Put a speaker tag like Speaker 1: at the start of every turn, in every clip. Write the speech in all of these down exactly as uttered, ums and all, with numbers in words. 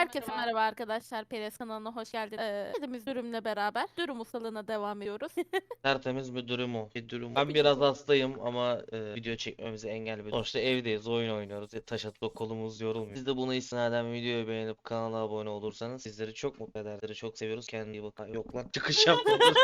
Speaker 1: Herkese merhaba arkadaşlar. Peres kanalına hoş geldiniz. Ee, Kedimiz Dürüm'le beraber Dürüm ustalığına devam ediyoruz.
Speaker 2: Tertemiz bir durum o. Bir durum. Ben
Speaker 1: Tabii
Speaker 2: biraz
Speaker 1: ki.
Speaker 2: hastayım ama e, video çekmemize engel bir. Sonuçta evdeyiz, oyun oynuyoruz. E, taş atıp kolumuz yorulmuyor. Siz de bunu istinaden videoyu beğenip kanala abone olursanız sizleri çok mutlu eder. Sizleri çok seviyoruz. Kendine iyi bakın. Yok lan. Çıkış yapmadım.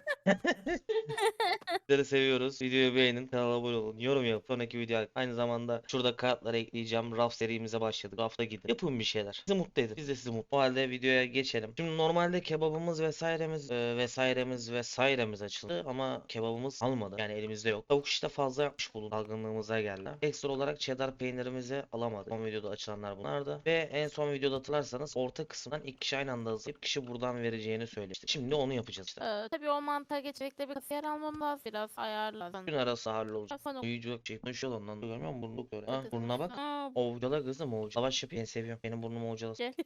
Speaker 2: Sizleri seviyoruz. Videoyu beğenin, kanala abone olun. Yorum yapın. Sonraki video aynı zamanda şurada kartları ekleyeceğim. Raf serimize başladık. Rafta gidin. Yapın bir şeyler. Bizi mutlu edin. Biz de sizi mutlu. O halde videoya geçelim. Şimdi normalde kebabımız vesairemiz e, vesairemiz vesairemiz açıldı ama kebabımız almadı. Yani elimizde yok. Tavuk işte fazla yapmış bulun. Dalgınlığımıza geldi. Ekstra olarak cheddar peynirimizi alamadık. Son videoda açılanlar bunlardı. Ve en son videoda hatırlarsanız orta kısımdan iki kişi aynı anda hızlayıp kişi buradan vereceğini söylemişti. Şimdi onu yapacağız işte.
Speaker 1: Ee, tabii o mantığa geçecekte bir kasiyer almam lazım. Biraz ayarla.
Speaker 2: Gün arası hallolacak.
Speaker 1: Sonra
Speaker 2: Uyuyacak şey konuşuyor ondan. Görmüyor musun? Burnluk öyle. Ha,
Speaker 1: kızım.
Speaker 2: burnuna bak.
Speaker 1: Aa,
Speaker 2: Ovcala kızım ovcala. Savaş yapıyor. Ben seviyorum. Benim burnumu ovcalasın.
Speaker 1: gel.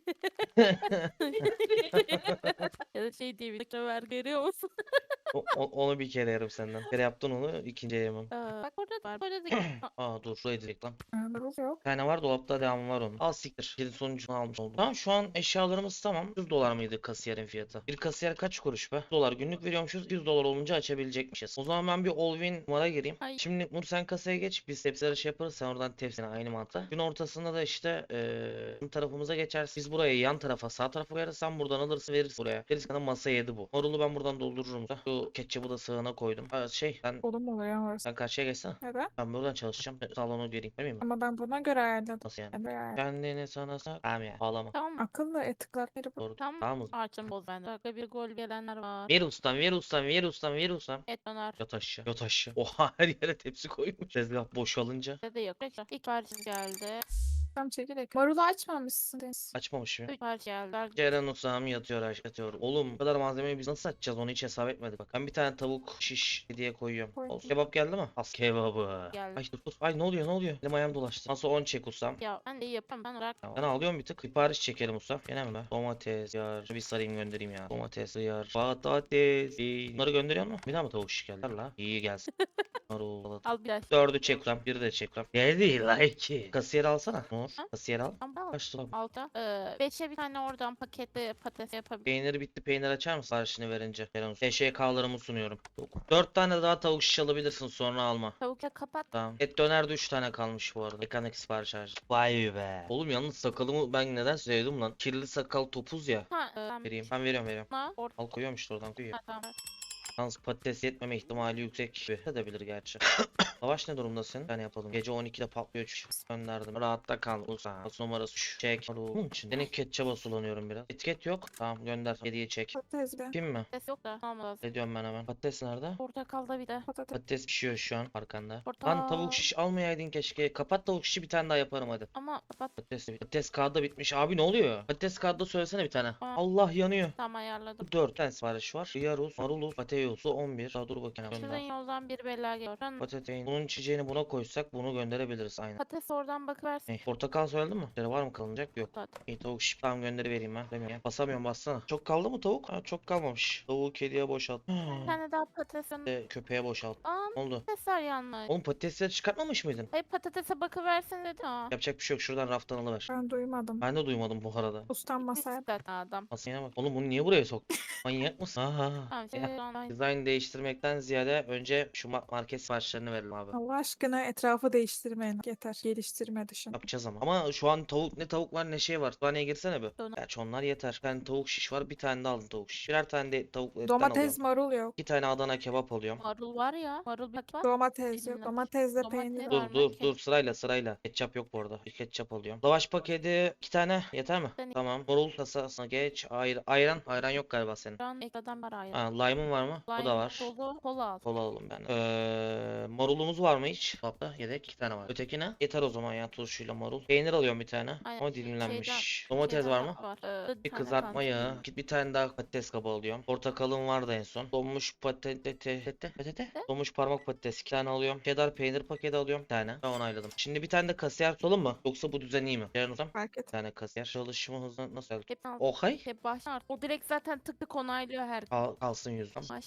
Speaker 1: Ya da şey diye bir ver görüyor musun?
Speaker 2: O- o- onu bir kere yerim senden. Bir kere yaptın onu ikinciye yemem.
Speaker 1: Ee, bak orada da var. Orada da Aa,
Speaker 2: Aa dur şurayı direkt lan.
Speaker 3: Marul yok.
Speaker 2: Bir tane var dolapta devamı var onun. Al siktir. Kedin sonucunu almış oldum. Tamam şu an eşyalarımız tamam. yüz dolar mıydı kasiyerin fiyatı? Bir kasiyer kaç kuruş be? yüz dolar günlük veriyormuşuz. yüz dolar olunca açabilecekmişiz. O zaman ben bir all-win numara gireyim.
Speaker 1: Ay.
Speaker 2: Şimdi Nur sen kasaya geç. Biz tepsi arası yaparız. Sen oradan tepsine aynı mantıkla. Gün ortasında da işte eee tarafımıza geçersin. Biz buraya yan tarafa sağ tarafa koyarız. Sen buradan alırsın verirsin buraya. Gerisi kadar masa yedi bu. Marulu ben buradan doldururum. da. Şu ketçabı da sığına koydum. Ha, şey ben
Speaker 3: Olum oluyor orası.
Speaker 2: sen karşıya geçsene.
Speaker 3: Neden?
Speaker 2: Ben buradan çalışacağım. Salonu vereyim. Vermeyeyim mi?
Speaker 3: Ama ben buna göre ayarladım.
Speaker 2: Nasıl yani?
Speaker 3: Ben böyle ayarladım.
Speaker 2: Kendini sana sar. Tamam ya. Ağlama.
Speaker 1: Tamam mı?
Speaker 3: Akıllı etikler biri bu.
Speaker 2: Doğru.
Speaker 1: Tam
Speaker 2: Tamam mı?
Speaker 1: Arçın boz bende. Dakika bir gol gelenler var.
Speaker 2: Ver ustam, ver ustam, ver ustam, ver ustam.
Speaker 1: Et döner.
Speaker 2: Yat aşağı, yat aşağı. Oha her yere tepsi koymuş. Tezgah boşalınca.
Speaker 1: Bizde de yok. Tekrar. İlk parça geldi.
Speaker 3: Tam çekirdek. Marulu açmamışsın Deniz.
Speaker 2: Açmamış mı?
Speaker 1: Üç parça geldi.
Speaker 2: Ceren ustam yatıyor aşağı yatıyor. Oğlum bu kadar malzemeyi biz nasıl açacağız onu hiç hesap etmedik bak. Ben bir tane tavuk şiş diye koyuyorum.
Speaker 3: Koy.
Speaker 2: Olsun. Kebap geldi mi? As kebabı.
Speaker 1: Geldi.
Speaker 2: Ay dur dur. Ay ne oluyor ne oluyor? Elim ayağım dolaştı. Nasıl on çek ustam.
Speaker 1: Ya ben de iyi yaparım. Ben olarak
Speaker 2: Ben alıyorum bir tık. Sipariş çekelim ustam. Gene mi be? Domates, yar. Bir sarayım göndereyim ya. Domates, yar. Patates. İyi. Bunları gönderiyor mu? Bir daha mı tavuk şiş geldi? Ver la. İyi gelsin. Marul, salata.
Speaker 1: al biraz.
Speaker 2: Dördü çek ustam. Biri de çek ustam. Geldi la iki. Kasiyer alsana. Nur.
Speaker 1: Ha?
Speaker 2: Kasiyer al.
Speaker 1: Tamam.
Speaker 2: Kaç lira?
Speaker 1: Alta. Ee, beşe bir tane oradan paketli patates yapabilirim.
Speaker 2: Peyniri bitti. Peynir açar mısın siparişini verince? T Ş K'larımı sunuyorum. Dört tane daha tavuk şiş alabilirsin sonra alma.
Speaker 1: Tavukla kapat.
Speaker 2: Tamam. Et dönerde üç tane kalmış bu arada. Mekanik sipariş harcı. Vay be. Oğlum yalnız sakalımı ben neden sevdim lan? Kirli sakal topuz ya.
Speaker 1: Ha, e, ben
Speaker 2: Vereyim. Ben veriyorum veriyorum.
Speaker 1: buna orta.
Speaker 2: Al koyuyorum işte oradan koyuyor.
Speaker 1: Ha, tamam.
Speaker 2: Yalnız patates yetmeme ihtimali yüksek gibi. Edebilir gerçi. Savaş ne durumdasın? Ben yapalım. Gece on ikide patlıyor çünkü. Gönderdim. Rahatta kal. Uza. As numarası şu. Çek. Bunun için. Senin ketçaba sulanıyorum biraz. Etiket yok. Tamam gönder. Hediye çek.
Speaker 3: Patates be.
Speaker 2: Kim mi?
Speaker 1: Patates yok da almaz.
Speaker 2: Ne diyorum ben hemen. Patates nerede?
Speaker 1: Portakalda bir de.
Speaker 3: Patates.
Speaker 2: Patates pişiyor şu an arkanda.
Speaker 1: Portakal.
Speaker 2: Lan tavuk şiş almayaydın keşke. Kapat tavuk şişi bir tane daha yaparım hadi.
Speaker 1: Ama kapat.
Speaker 2: Patates, patates kağıdı bitmiş. Abi ne oluyor? Patates kağıdı söylesene bir tane.
Speaker 1: Aa.
Speaker 2: Allah yanıyor.
Speaker 1: Tam ayarladım.
Speaker 2: dört tane sipariş var. Yarus, marulus, patates, on bir. Daha dur bakayım.
Speaker 1: Şuradan
Speaker 2: Gönder.
Speaker 1: yoldan bir bela geliyor. Şuradan
Speaker 2: Patatesin. Bunun içeceğini buna koysak bunu gönderebiliriz aynen.
Speaker 1: patates oradan bakıversin.
Speaker 2: Hey, portakal söyledin mi? Şöyle var mı kalınacak? Yok.
Speaker 1: Zaten.
Speaker 2: İyi tavuk şiş. Tamam gönderivereyim ben. Demiyorum. Basamıyorum bassana. Çok kaldı mı tavuk? Ha, çok kalmamış. Tavuğu kediye boşalt.
Speaker 1: Bir tane daha patates yanı.
Speaker 2: De, köpeğe boşalt.
Speaker 1: Aa,
Speaker 2: Ne oldu?
Speaker 1: patatesler yanlış.
Speaker 2: Oğlum patatesleri çıkartmamış mıydın?
Speaker 1: Hayır patatese bakıversin dedi. Aa.
Speaker 2: Yapacak bir şey yok. Şuradan raftan alıver.
Speaker 3: Ben duymadım.
Speaker 2: Ben de duymadım bu arada.
Speaker 3: Ustam masaya.
Speaker 1: Zaten adam.
Speaker 2: Aslına bak. Oğlum bunu niye buraya soktun? Manyak mısın? Aha.
Speaker 1: Tamam şimdi online.
Speaker 2: Dizayn değiştirmekten ziyade önce şu ma- market siparişlerini verelim abi.
Speaker 3: Allah aşkına etrafı değiştirmeyin. Yeter. Geliştirme dışın.
Speaker 2: Yapacağız ama. Ama şu an tavuk ne tavuk var ne şey var. Kütüphaneye girsene bir.
Speaker 1: Dona-
Speaker 2: Gerçi onlar yeter. Bir tane tavuk şiş var. Bir tane de aldım tavuk şiş. Birer tane de tavuk etten
Speaker 3: Domates
Speaker 2: alıyorum.
Speaker 3: marul yok.
Speaker 2: İki tane Adana kebap alıyorum.
Speaker 1: Marul var ya. Marul bir paket var.
Speaker 3: Domates yok.
Speaker 1: Bilmiyorum.
Speaker 3: Domatesle
Speaker 1: Domates
Speaker 3: peynir
Speaker 1: var.
Speaker 3: var.
Speaker 2: Dur dur dur sırayla sırayla. Ketçap yok bu arada. Bir ketçap alıyorum. Lavaş paketi iki tane yeter mi?
Speaker 1: Tane.
Speaker 2: Tamam. Marul kasasına geç. Ayr ayran. Ayran yok galiba senin.
Speaker 1: Şu an ekstradan var ayrı.
Speaker 2: Ha, lime'ın var mı? Bu da var.
Speaker 1: Dolu kola al.
Speaker 2: Kola alalım ben. Ee, marulumuz var mı hiç? Dolapta yedek iki tane var. Ötekine yeter o zaman ya turşuyla marul. Peynir alıyorum bir tane.
Speaker 1: Aynen.
Speaker 2: Ama dilimlenmiş.
Speaker 1: Şeyden-
Speaker 2: Domates
Speaker 1: şeyden
Speaker 2: var mı?
Speaker 1: Var. Ee,
Speaker 2: Bir
Speaker 1: tane
Speaker 2: kızartma
Speaker 1: kaldı.
Speaker 2: yağı. Git bir tane daha patates kabı alıyorum. Portakalım vardı en son. Donmuş patates. Patates. Patates. Donmuş parmak patates iki tane alıyorum. Cheddar peynir paketi alıyorum bir tane. Ben onayladım. Şimdi bir tane de kasiyer tutalım mı? Yoksa bu düzen iyi mi? Ceren Hocam.
Speaker 3: Fark
Speaker 2: Bir
Speaker 3: et.
Speaker 2: tane kasiyer. Çalışma hızı nasıl?
Speaker 1: Hep al.
Speaker 2: Okay.
Speaker 1: Hep başlar. O direkt zaten tık tık onaylıyor her.
Speaker 2: Kal kalsın yüzden.
Speaker 1: Baş-
Speaker 2: Para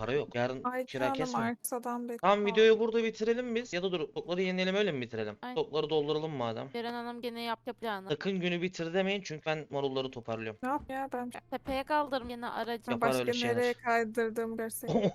Speaker 2: Para yok. Yarın
Speaker 3: Ay
Speaker 2: kira
Speaker 3: canım
Speaker 2: kesme.
Speaker 3: arsadan bekliyor.
Speaker 2: Tamam videoyu burada bitirelim biz. Ya da dur stokları yenileyelim öyle mi bitirelim?
Speaker 1: Aynen.
Speaker 2: Stokları dolduralım madem.
Speaker 1: Ceren Hanım gene yaptı planı.
Speaker 2: Sakın günü bitir demeyin çünkü ben marulları toparlıyorum.
Speaker 3: Ne yap ya ben
Speaker 1: Tepeye kaldırım gene aracı.
Speaker 3: ben
Speaker 2: Yapar
Speaker 3: başka
Speaker 2: öyle şeyler.
Speaker 3: nereye kaydırdım gerçekten.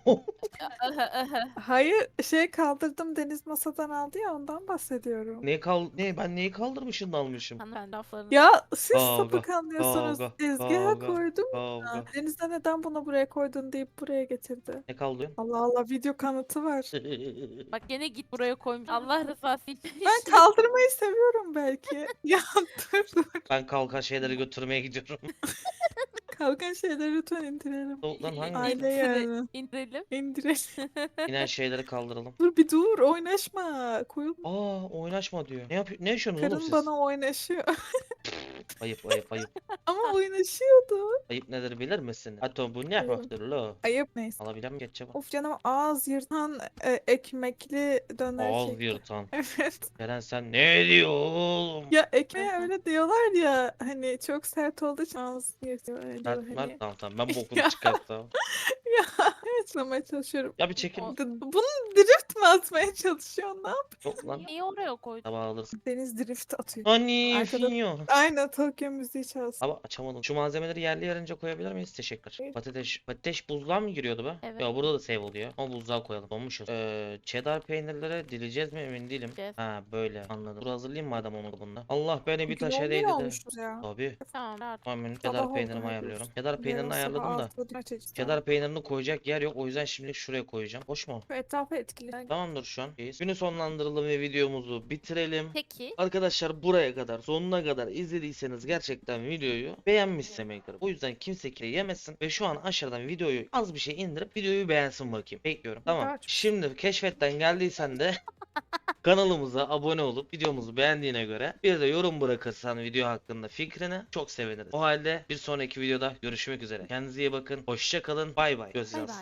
Speaker 3: Hayır şey kaldırdım Deniz masadan aldı ya ondan bahsediyorum.
Speaker 2: Ne kal ne ben neyi kaldırmışım da almışım.
Speaker 1: Hanımefendi laflarını.
Speaker 3: Ya siz
Speaker 2: Kavga,
Speaker 3: sapık anlıyorsunuz.
Speaker 2: kavga,
Speaker 3: Tezgaha
Speaker 2: kavga,
Speaker 3: koydum ya.
Speaker 2: Kavga.
Speaker 3: Deniz'de neden bunu buraya koydun deyip buraya getirdi.
Speaker 2: Ne kaldırıyorsun?
Speaker 3: Allah Allah video kanıtı var.
Speaker 1: Bak gene git buraya koymuş. Allah rızası için.
Speaker 3: Ben kaldırmayı seviyorum belki. Ya dur dur.
Speaker 2: Ben kalkan şeyleri götürmeye gidiyorum.
Speaker 3: Kalkan şeyleri lütfen indirelim.
Speaker 2: Soğuktan hangi?
Speaker 3: Aile
Speaker 1: İkisini
Speaker 3: yani.
Speaker 1: indirelim.
Speaker 3: İndirelim.
Speaker 2: İnen şeyleri kaldıralım.
Speaker 3: Dur bir dur oynaşma. Koyun.
Speaker 2: Aa oynaşma diyor. Ne yapıyor? Ne yaşıyorsunuz oğlum
Speaker 3: Karın
Speaker 2: siz?
Speaker 3: bana oynaşıyor.
Speaker 2: Ayıp ayıp ayıp.
Speaker 3: Ama oynaşıyordu.
Speaker 2: Ayıp nedir bilir misin? Hatta bu ne
Speaker 3: Ayıp.
Speaker 2: hoştur lo?
Speaker 3: Ayıp neyse.
Speaker 2: Alabilir miyim geçeceğim?
Speaker 3: Of canım ağız yırtan e, ekmekli döner
Speaker 2: Ağız
Speaker 3: çekti.
Speaker 2: yırtan.
Speaker 3: Evet.
Speaker 2: Eren sen ne diyor oğlum?
Speaker 3: Ya ekmeğe öyle diyorlar ya hani çok sert olduğu için ağız yırtıyor öyle diyor
Speaker 2: Mert,
Speaker 3: hani.
Speaker 2: Mert tamam tamam ben bokunu çıkarttım.
Speaker 3: Ya açıklamaya çalışıyorum.
Speaker 2: Ya bir çekin.
Speaker 1: O-
Speaker 3: D- Bunu drift mi atmaya çalışıyor ne yap?
Speaker 2: Yok lan.
Speaker 1: Niye oraya koydun?
Speaker 2: Tabağı alırsın.
Speaker 3: Deniz drift atıyor.
Speaker 2: Hani
Speaker 3: Arkada-
Speaker 2: finyo.
Speaker 3: Aynen Tokyo müziği çalsın.
Speaker 2: Abi açamadım. Şu malzemeleri yerli yerince koyabilir miyiz? Teşekkür.
Speaker 3: Evet.
Speaker 2: Patates. Patates buzluğa mı giriyordu be?
Speaker 1: Evet.
Speaker 2: Ya burada da save oluyor. Ama buzluğa koyalım. Olmuşuz. Ee, cheddar peynirleri dileyeceğiz mi emin değilim.
Speaker 1: Dileyeceğiz.
Speaker 2: Ha böyle anladım. Dur hazırlayayım madem onu bunda. Allah beni bir
Speaker 3: Bugün
Speaker 2: taşa
Speaker 3: on bir
Speaker 2: değdi de.
Speaker 3: olmuşuz ya.
Speaker 2: Tabii.
Speaker 1: Tamam artık.
Speaker 2: Tamam benim
Speaker 3: Sabah
Speaker 2: cheddar
Speaker 3: oldu
Speaker 2: peynirimi
Speaker 3: hadi.
Speaker 2: ayarlıyorum. Cheddar
Speaker 3: Yarın
Speaker 2: peynirini
Speaker 3: sabah
Speaker 2: ayarladım da.
Speaker 3: altıda maç açacağım.
Speaker 2: Cheddar peynirini koyacak yer yok. O yüzden şimdilik şuraya koyacağım. Hoş mu?
Speaker 3: Şu etrafı etkili.
Speaker 2: Tamamdır şu an. İyiyiz. Günü sonlandıralım ve videomuzu bitirelim.
Speaker 1: Peki.
Speaker 2: Arkadaşlar buraya kadar sonuna kadar izlediyseniz gerçekten videoyu beğenmiş demektir. O yüzden kimse kire yemesin ve şu an aşağıdan videoyu az bir şey indirip videoyu beğensin bakayım. Bekliyorum. Tamam.
Speaker 3: Daha çok-
Speaker 2: Şimdi keşfetten geldiysen de kanalımıza abone olup videomuzu beğendiğine göre bir de yorum bırakırsan video hakkında fikrini çok seviniriz. O halde bir sonraki videoda görüşmek üzere. Kendinize iyi bakın. Hoşça kalın. Bay bay.
Speaker 1: Bay
Speaker 2: Görüşürüz.
Speaker 1: bay.